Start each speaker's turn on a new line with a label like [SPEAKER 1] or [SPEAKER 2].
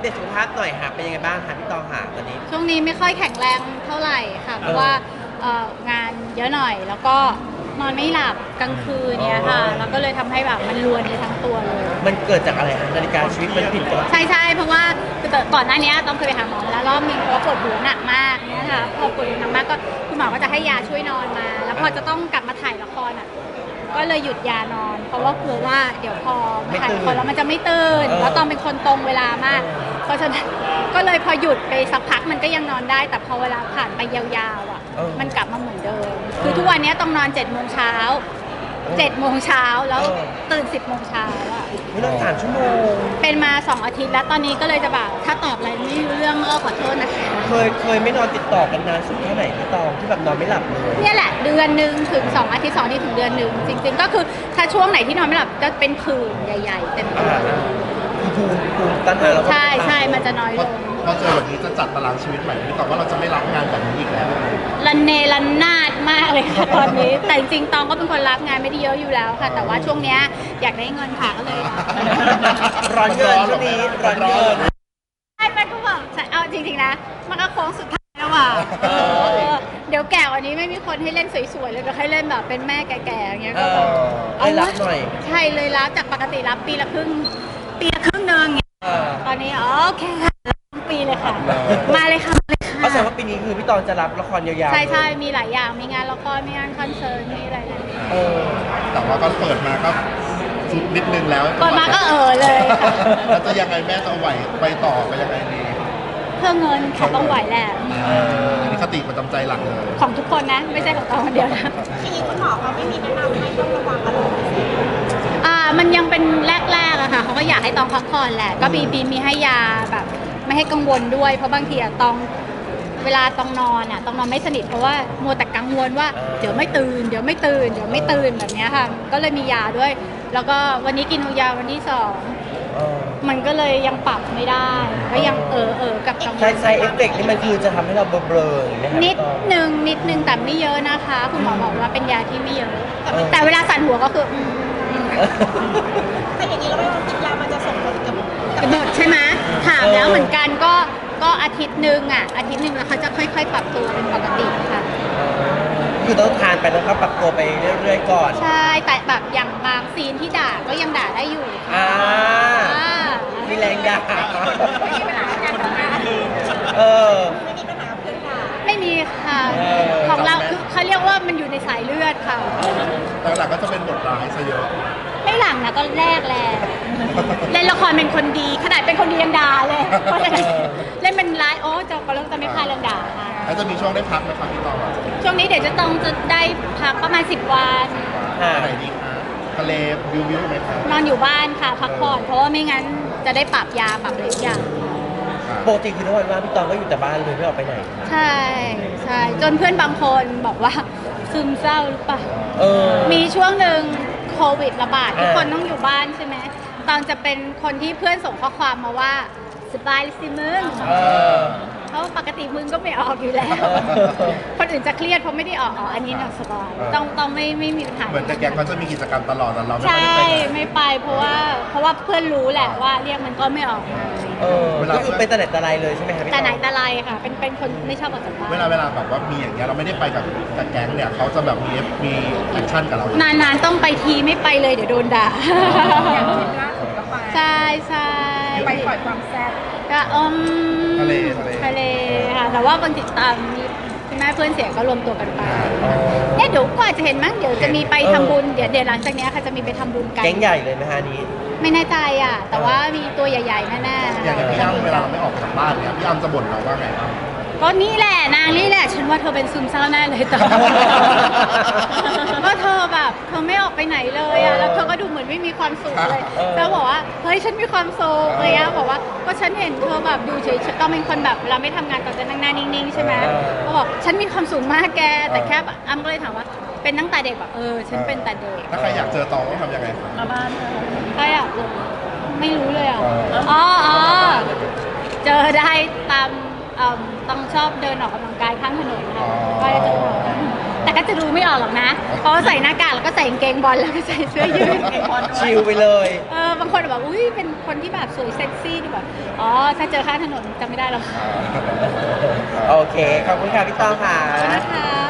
[SPEAKER 1] ตสุขภาพหน่อยค่ะเป็นยังไงบ้างคะพี่ตองหาตอนนี้
[SPEAKER 2] ช่วงนี้ไม่ค่อยแข็งแรงเท่าไหร่ค่ะเพราะว่างานเยอะหน่อยแล้วก็นอนไม่หลับกลางคืนเนี่ยค่ะแล้วก็เลยทำให้แบบมันรวนไปทั้งตัวเลย
[SPEAKER 1] มันเกิดจากอะไรคะนาฬิกาชีวิตมันผิดปกติ
[SPEAKER 2] ใช่เพราะว่าคือก่อนหน้านี้ต้องเคยไปหาหมอมาแล้วรอบนึงเพราะว่าปวดหัวหนักมากเนี่ยค่ะพอปวดหัวหนักมากก็คุณหมอก็จะให้ยาช่วยนอนมา แล้วพอจะต้องกลับมาถ่ายละครก็เลยหยุดยานอน เพราะว่ากลัวว่าเดี๋ยวพอถ่ายละครแล้วมันจะไม่ตื่นแล้วต้องเป็นคนตรงเวลามาก เพราะฉะนั้นก็เลยพอหยุดไปสักพักมันก็ยังนอนได้ แต่พอเวลาผ่านไปยาวๆมันกลับมาเหมือนเดิมคือทุกวันนี้ต้องนอน7 โมงเช้าแล้วตื่น10 โมงเช้า
[SPEAKER 1] ไม่นอน3 ชั่วโมง
[SPEAKER 2] เป็นมา2 อาทิตย์แล้วตอนนี้ก็เลยจะแบบถ้าตอบอะไรไม่รู้เรื่องก็ขอโทษนะคะ
[SPEAKER 1] เคยไม่นอนติดต่อกันนานสุดแค่ไหนพี่ตองที่แบบนอนไม่หลับเลย
[SPEAKER 2] เนี่ยแหละเดือนหนึ่งถึง2 อาทิตย์2 อาทิตย์ถึงเดือนหนึ่งจริงๆก็คือถ้าช่วงไหนที่นอนไม่หลับจะเป็นผื่นใหญ่ๆเต็มตัว
[SPEAKER 1] ภูมิต้านทานเราก็
[SPEAKER 2] ใช่มันจะน้อยลง
[SPEAKER 3] พอเจอแบบนี้จะจัดตารางชีวิตใหม่พี่ตองว่าเราจะไม่รับงานแบบนี้อีกแล้ว
[SPEAKER 2] รันเนรันนาดมากเลยค่ะตอนนี้แต่จริงๆตองก็เป็นคนรับงานไม่ได้เยอะอยู่แล้วค่ะแต่ว่าช่วงเนี้ยอยากได้เงินค่ะก็เลย
[SPEAKER 1] ร้อนเงินช่วงนี้ร้อนเงิน
[SPEAKER 2] ใช่มันก็บอกเอาจริงๆนะมันก็โค้งสุดท้ายแล้วว่ะเดี๋ยวแก่กว่านี้ไม่มีคนให้เล่นสวยๆเลยก็ให้เล่นแบบเป็นแม่แก่ๆอย่างเงี้ยก็
[SPEAKER 1] เอารับหน่อย
[SPEAKER 2] ใช่เลยรับจากปกติรับปีละครึ่งนึงตอนนี้โอเคค่ะปีเลยค่ะมาเลยค่ะ
[SPEAKER 1] ก็แสดงว่าปีนี้คือพี่ตองจะรับละครยาว
[SPEAKER 2] ๆใช่มีหลายอย่างมีงานละครมีงานคอนเสิร์ตมีอะไร
[SPEAKER 3] แต่ว่าก็เปิดมาก็สุดนิดนึงแล้ว
[SPEAKER 2] เปิดมาก็เลยค่ะ
[SPEAKER 3] แล้วจะยังไงแม่จะไหวไปต่อไปยังไงดี
[SPEAKER 2] เพื่อเงินค่ะต้องไหวแหละ
[SPEAKER 3] อันนี้คติประจำใจหลักเลย
[SPEAKER 2] ของทุกคนนะไม่ใช่ของตองคนเดียวนะ
[SPEAKER 4] ทีนี้คุณหมอเขาไม่มีแนะนำให้ต้องระวังอะไร
[SPEAKER 2] มันยังเป็นแรกๆอะค่ะเขาก็อยากให้ตองพักผ่อนแหละก็มีให้ยาแบบไม่ให้กังวลด้วยเพราะบางทีตองเวลาตองนอนไม่สนิทเพราะว่ามัวแต่กังวลว่าเดี๋ยวไม่ตื่นแบบนี้ค่ะก็เลยมียาด้วยแล้วก็วันนี้กินยาวันที่2มันก็เลยยังปรับไม่ได้ก็ยังกับกังวล
[SPEAKER 1] ใช้เอฟเฟกต์นี่มันคือจะทำให้เราเบลอๆ
[SPEAKER 2] นิดนึงแต่ไม่เยอะนะคะคุณหมอบอกว่าเป็นยาที่ไม่เยอะแต่เวลาสั่นหัวก็คือ
[SPEAKER 4] แต่อย่างนี้เราไม่ต้องกินยามันจะส่งผลกับ
[SPEAKER 2] หมดใช่ไหมถามแล้วเหมือนกันก็อาทิตย์หนึ่งแล้วเขาจะค่อยๆปรับตัวเป็นปกติค่ะ
[SPEAKER 1] คือต้องทานไปแล้วก็ปรับตัวไปเรื่อยๆก่อน
[SPEAKER 2] ใช่แต่แบบอย่างบางซีนที่ด่าก็ยังด่าได้อยู่
[SPEAKER 1] มีแรงด่า
[SPEAKER 4] ไม่มีปัญหาการทำงานไม่มีปัญหากับเพื่อนค่ะ
[SPEAKER 2] ไม่มีค่ะของเราคือเขาเรียกว่ามันอยู่ในสายเลือดค่ะ
[SPEAKER 3] แต่หลังก็จะเป็นบทร้ายซะเยอะ
[SPEAKER 2] ไม่หลังนะก็แรกเล่นละครเป็นคนดีขนาดเป็นคนดียังด่าเลยเล่นเป็นร้ายก็เริ่มจะไม่พลาดเรื่องด่าค่ะ
[SPEAKER 3] แล้วจะมีช่วงได้พักไหมครับพี่ตอง
[SPEAKER 2] ช่วงนี้เดี๋ยวจะได้พักประมาณ10 วัน
[SPEAKER 3] ไหนดีคะทะเลวิวไหมครับ
[SPEAKER 2] นอนอยู่บ้านค่ะพักผ่อนเพราะว่าไม่งั้นจะได้ปรับยาปรับอะไรทุกอย่าง
[SPEAKER 1] ปกติคือทุกวันว่าพี่ตองก็อยู่แต่บ้านเลยไม่ออกไปไหน
[SPEAKER 2] ใช่จนเพื่อนบางคนบอกว่าซึมเศร้าหรือเปล่ามีช่วงหนึ่งโควิดระบาดทุกคนต้องอยู่บ้านใช่ไหมตองจะเป็นคนที่เพื่อนส่งข้อความมาว่าสบายสิมึงเพราะปกติมึงก็ไม่ออกอยู่แล้วคนอื่นจะเครียดเพราะไม่ได้ออกอันนี้สบายต้องไม่มีปัญหา
[SPEAKER 3] เหมือนแต่แกเขาจะมีกิจกรรมตลอดแต่เรา
[SPEAKER 2] ใช่ไม่ไปเพราะว่าเพื่อนรู้แหละว่าเรียกมันก็ไม่ออก
[SPEAKER 1] ก็คือเป็นแต่ไหนแต่ไรเลยใช่ไหมคะ
[SPEAKER 2] แต่ไหนแต่ไรค่ะเป็นคนไม่ชอบออกจากบ้าน
[SPEAKER 3] เวลาแบบว่ามีอย่างเงี้ยเราไม่ได้ไปกับแก๊งเนี่ยเขาจะแบบมีแอคชั่นกับเรา
[SPEAKER 2] นานๆต้องไปทีไม่ไปเลยเดี๋ยวโดนด่า
[SPEAKER 4] อย่างทริปล่าสุดก็ไป
[SPEAKER 2] ใช่
[SPEAKER 4] ไปปล่อยความแซ่บ
[SPEAKER 2] ก็
[SPEAKER 3] ทะเล
[SPEAKER 2] ค่ะแต่ว่าบางทีมีแม่เพื่อนเสียก็รวมตัวกันไปเดี๋ยวก็อาจจะเห็นมั้งเดี๋ยวจะมีไปทำบุญเดี๋ยวหลังจากนี้ค่ะจะมีไปทำบุญกัน
[SPEAKER 1] แก๊งใหญ่เลยไหมฮะนี้
[SPEAKER 2] ไม่แน่ใจแต่ว่ามีตัวใหญ่ๆแน่
[SPEAKER 3] ๆอย่างพี่อ้ำเวลาเราไม่ออกจากบ้านเนี่ยพี่อ้ำจะบ่นเราว่าไงครับ
[SPEAKER 2] ก็นี่แหละนางนี่แหละฉันว่าเธอเป็นซึมเศร้าแน่เลยแต่ก็เธอแบบเธอไม่ออกไปไหนเลยแล้วเธอก็ดูเหมือนไม่มีความสุขเลยแล้วบอกว่าเฮ้ยฉันมีความสุขเลยบอกว่าก็ฉันเห็นเธอแบบดูเฉยๆต้องเป็นคนแบบเราไม่ทำงานต่อจะนั่งหน้านิ่งๆใช่ไหมก็บอกฉันมีความสุขมากแกแต่แค่อ้ำก็เลยถามว่าเป็นตั้งแต่เด็กแบบฉันเป็นแต่เด็ก
[SPEAKER 3] ถ้าใครอยากเจอตองต้องทำยังไง
[SPEAKER 2] มาบ้านใครอยากไม่รู้เลยเจอได้ตามต้องชอบเดินออกกำลังกายข้างถนนค่ะก็จะเจอแต่ก็จะดูไม่ออกหรอกนะ เพราะว่าใส่หน้ากากแล้วก็ใส่กางเกงบอลแล้วก็ใส่เสื้อยืด
[SPEAKER 1] ชิลไปเลย
[SPEAKER 2] บางคนแบบอุ้ยเป็นคนที่แบบสวยเซ็กซี่ดูแบบอ๋อถ้าเจอข้างถนนจำไม่ได้หรอก
[SPEAKER 1] โอเค ขอบคุณค่ะพี่ตองค่ะ
[SPEAKER 2] ขอบคุณนะคะ